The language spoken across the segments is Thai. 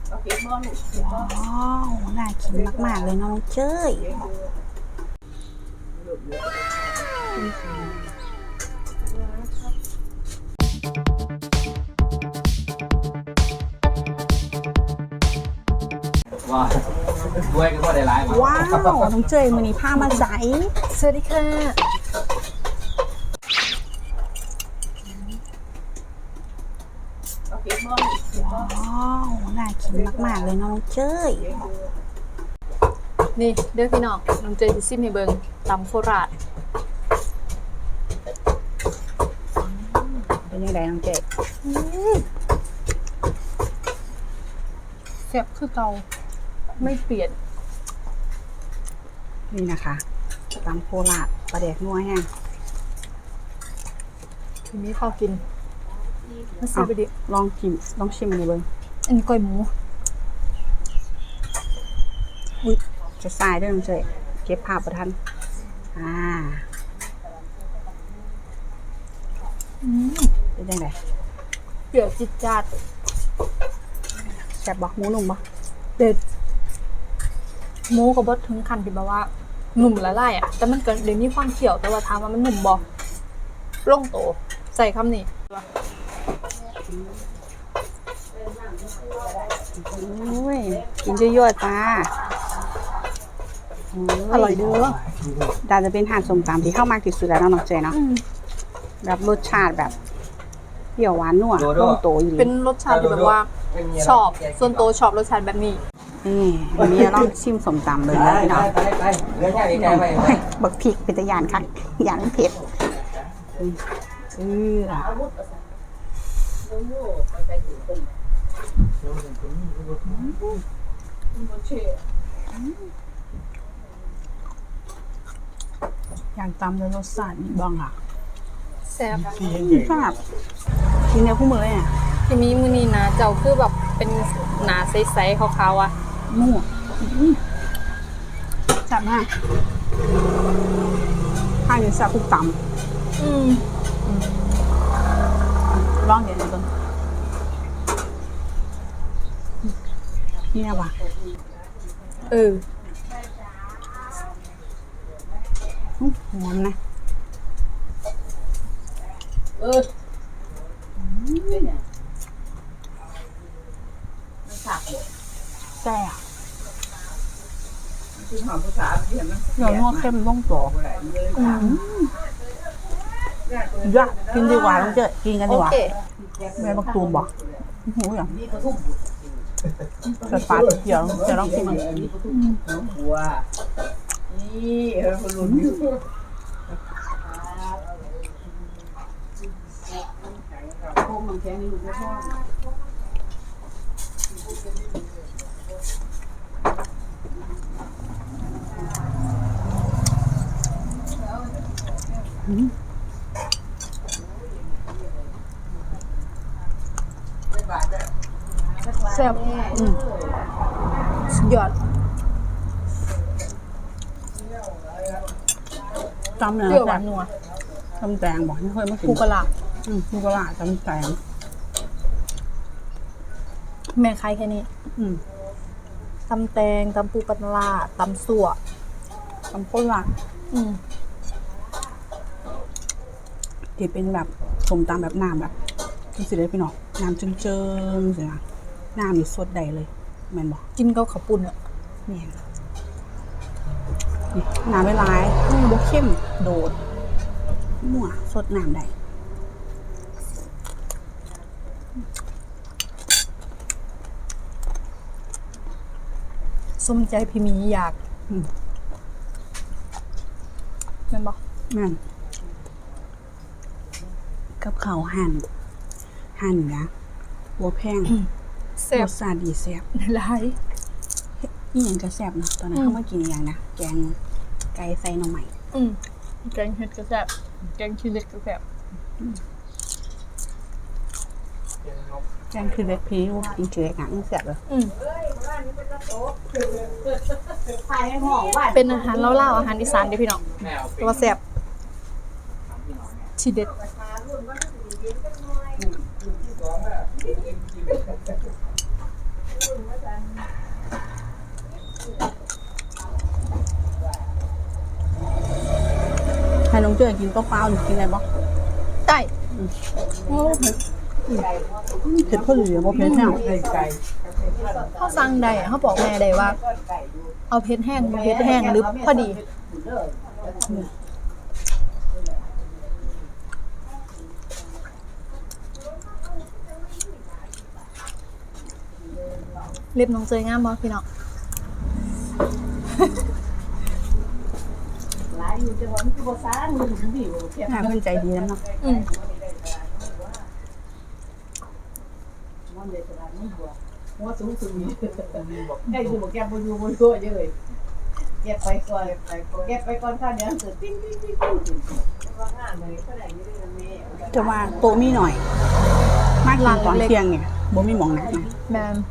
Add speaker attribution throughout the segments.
Speaker 1: ว้าวน่ากินมากๆเลยน้องเจ้ย
Speaker 2: ว้าวด้วยก็ได้หลาย
Speaker 1: ว้าวน้องเจ้ยมือนี้ผ้ามาใส
Speaker 3: สวัสดีค่ะ
Speaker 1: ว้าวน่ากินมากๆเลยน้องเจ้ย
Speaker 3: นี่เด้อพี่น้องน้องเจซิซิมให้เบิงตำโคราช
Speaker 1: เป็นยังไงน้องเจ้ย
Speaker 3: แซ่บคือเก่าไม่เปลี่ยน
Speaker 1: นี่นะคะตำโคราชปลาแดกนัวแห้ง
Speaker 3: ทีนี้ข้าวกินมาซื้อไปดิ
Speaker 1: ลองชิมอันนี้เบิ้ง
Speaker 3: อันนี้ก้อยหมู
Speaker 1: อุ้ยจะทรายด้วยน้องเจ้ยเก็บภาพประทันเป็นยังไง
Speaker 3: เปรี้ยวจิตจัด
Speaker 1: แซ่บบ่หมูนุ่มบ่
Speaker 3: เด็ดหมูกับบดถึงขั้นที่แบบว่าหนุ่มละลายอ่ะแต่มันก็เดี๋ยวนี้ความเขียวแต่ว่าถามว่ามันหนุ่มบ่ล่งโตใส่คำนี้
Speaker 1: โอ้ยกินเยอะๆจ้า
Speaker 3: อร่อยเด้อ
Speaker 1: ดาจะเป็นหาดส้มตำที่เข้ามากที่สุดแล้วน้องเจเนาะแบบรสชาติแบบเปรี้ยวหวานนัวลงโตอยู่
Speaker 3: เป็นรสชาติที่แบบว่าชอบส่วนตัวชอบรสชาติแบบนี้
Speaker 1: วันนี้ลองชิมส้มตำเลยนะพี่น้องบักพริกเป็นตะยานคักยานเผ็ดอย่างตำแล้วรสชาติบ้างอ่ะ
Speaker 3: แซ่บ
Speaker 1: แซ่บกินเนื้อคู่มือเลยเนี่ย
Speaker 3: ที่มีมือนี้นะเจ้าคือแบบเป็นหนาใสๆขาวๆอ่ะ
Speaker 1: มั่วแซ่บมากข้าวเหนียวแซ่บทุกตำลองเดี๋ยวนึงนี่นะว่ะหอมนะแซ่บเดี๋ยวนัวเข้มต้องต่อยากกินดีกว่าต้องเจอกินกันดีกว่าแม่บักตูมบอกหูอย่างจะฟาดเดี๋ยวลองกินมันนี่คนลุ้นอยู่พวกมันแค่นี้ลูกไม่ชอบ
Speaker 3: แซ่บสุดยอด
Speaker 1: จำเนี่ย
Speaker 3: เปรี้ยวหวานนัว
Speaker 1: จำแตงบอกไม่เคยมากิน
Speaker 3: ปูกระลา
Speaker 1: ปูกระลาจำแตง
Speaker 3: แม่ใครแค่นี้ตำแตงตำปูปลาตำสั่ว
Speaker 1: ตำโคราชที่เป็นแบบสมตำแบบน้ำแบบนี่สิได้พี่น้องน้ำเจิงๆสินะน้ำนี่สดใดเลยแม่นบอก
Speaker 3: กินกับข้าวปุ้นอ่ะ
Speaker 1: นี่น้ำไม่ร้ายบวเข้มโดดมั่วสดน้ำใด
Speaker 3: สมใจพี่มีอยากแม่นบอก
Speaker 1: แม่นกับเขาหั่นนะบัวแพง
Speaker 3: แซ่บ
Speaker 1: รสชาติดีแซ่บ
Speaker 3: หลาย
Speaker 1: นี่ยังก็แซ่บเนาะตอนนั้นเขามากินอย่างนะแกงไก่ใส่หน่อไม้
Speaker 3: แกงเห็ดก็แซ่บแกงขี้เหล็กก็แซ่บ
Speaker 1: แกงคือเล็กพีว่ากินคือเล็กหนังแซ่บเลย
Speaker 3: เป็นอาหารเล่าๆอาหารอีสานเด้อพี่น้องตัวแซ่บทีเด็ด
Speaker 1: ให้น้องเจ้ยกินเปล่าๆหรือกินอะไรบ้าง
Speaker 3: ได้โอ้เผ็ด
Speaker 1: เผ็ดเพื่อเหลือบ่เผ็ดแห้ง
Speaker 3: เขาสั่งได้อะเขาบอกแม่ได้ว่า เอาเผ็ดแห้งบ่เผ็ดแห้งหรือพอดีเล็บน้องเจยงามบ่พี่น้อง
Speaker 4: หลายอยู่จะว่ามันคือบ่ซ่านมันถึงดีบ่แค่
Speaker 1: หาเพื่อนใจดีแล้วเนาะ
Speaker 3: อืม
Speaker 4: มันเลยตลาดมันบ่หัวสูงๆนี่ได้อยู่บ่แก้บ่อยู่บ่ตัวเยอะเลยเก็บไปก่อนเก็บไปก่อนค่ะเดี๋ยวเกิดปิ้งว่างานเลยเท่าไหร่อยู่ด้วยแม่
Speaker 1: จะว่าโตมีหน่อย มากกินตอนเที่ยงเนี่ยบ่มีหมองนั่ง
Speaker 3: แมน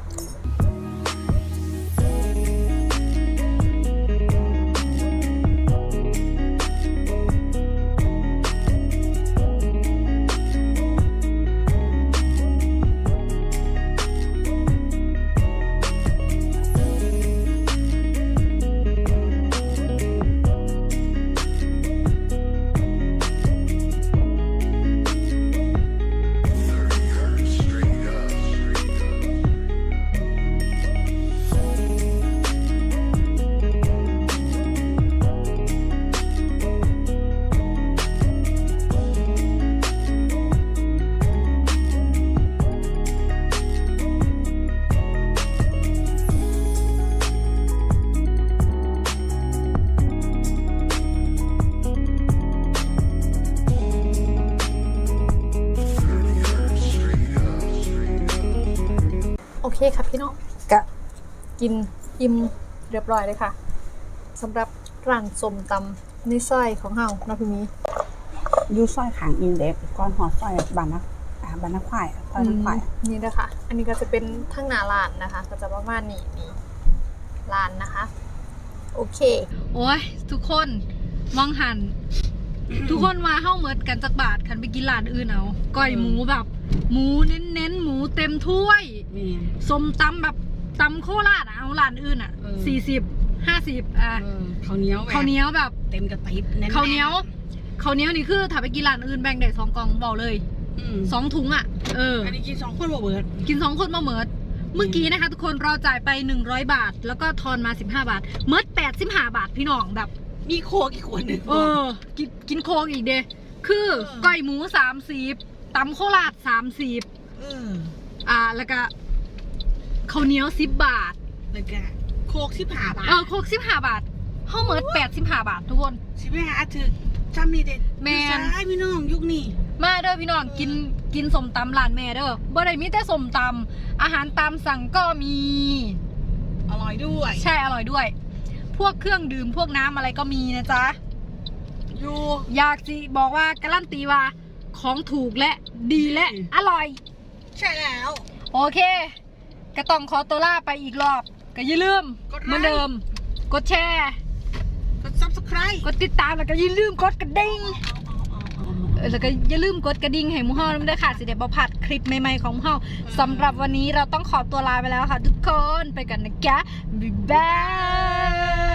Speaker 3: โอเคครับพี่น้อง
Speaker 1: กะ
Speaker 3: กินอิ่มเรียบร้อยเลยค่ะสำหรับร้านส้มตำในซอยของเฮานะพี่มี
Speaker 1: อยู่ซอยขางอินเด็กก่อนหอดซอยบ้านนักควายซอยนักควาย
Speaker 3: นี่นะคะ อันนี้ก็จะเป็นทั้งหน้าร้านนะคะ ก็จะประมาณนี้นี่ร้านนะคะ โอเค โอ้ยทุกคนมองหัน ทุกคนมาเข้าเมิดกันจักบาทคันไปกินร้านอื่นเอาก้อยหมูแบบ หมูเน้นๆหมูเต็มถ้วยส้มตำแบบตำโคราชอะเอาร้านอื่นอะ40-50
Speaker 1: ข้าวเหนียว
Speaker 3: ข้าวเหนียวแบบ
Speaker 1: เต็มกระติบ
Speaker 3: ข้าวเหนียวนี่คือถ้าไปกินร้านอื่นแบ่งได้2 กล่องบอกเลย2 ถุงอ่ะ
Speaker 1: อันนี้กิน2 คนบ่เบิด
Speaker 3: กิน2 คนมาเมิดเมื่อกี้นะคะทุกคนเราจ่ายไป100 บาท แล้วก็ทอนมา15 บาทเมิด85 บาทพี่น้องแบบ
Speaker 1: มีโคกอีกขวดหนึ่ง
Speaker 3: กินโคกอีกเด้คือก้อยหมู30ตำโคราช30แล้วก็ข้าวเหนียว10 บาท
Speaker 1: แล้วก็โคก15 บาท
Speaker 3: โคก15 บาทเฮาเมิด85 บาททุกคน
Speaker 1: 15ถึงจำนี่เด็ด
Speaker 3: แม่น
Speaker 1: ใช่พี่น้องยุคนี้
Speaker 3: มาเด้อพี่น้องกินส้มตำร้านแม่เด้อบ่ได้มีแต่ส้มตำอาหารตามสั่งก็มี
Speaker 1: อร่อยด้วย
Speaker 3: ใช่อร่อยด้วย พวกเครื่องดื่มพวกน้ำอะไรก็มีนะจ๊ะ
Speaker 1: อยู่
Speaker 3: อยากสิบอกว่าการันตีว่าของถูกและดีและอร่อย
Speaker 1: ใช่แล้ว
Speaker 3: โอเคก็ต้องขอตัวลาไปอีกรอบก็อย่าลืมเหมือนเดิม กดแชร์
Speaker 1: กด subscribe
Speaker 3: กดติดตามแล้วก็อย่าลืมกดกระดิ่งแล้วก็อย่าลืมกดกระดิ่งให้หมูเฮาด้วยค่ะสิเดี๋ยวบ่พลาดคลิปใหม่ๆของหมูเฮาสำหรับวันนี้เราต้องขอตัวลาไปแล้วค่ะทุกคนไปกันนะจ๊ะบ๊ายบาย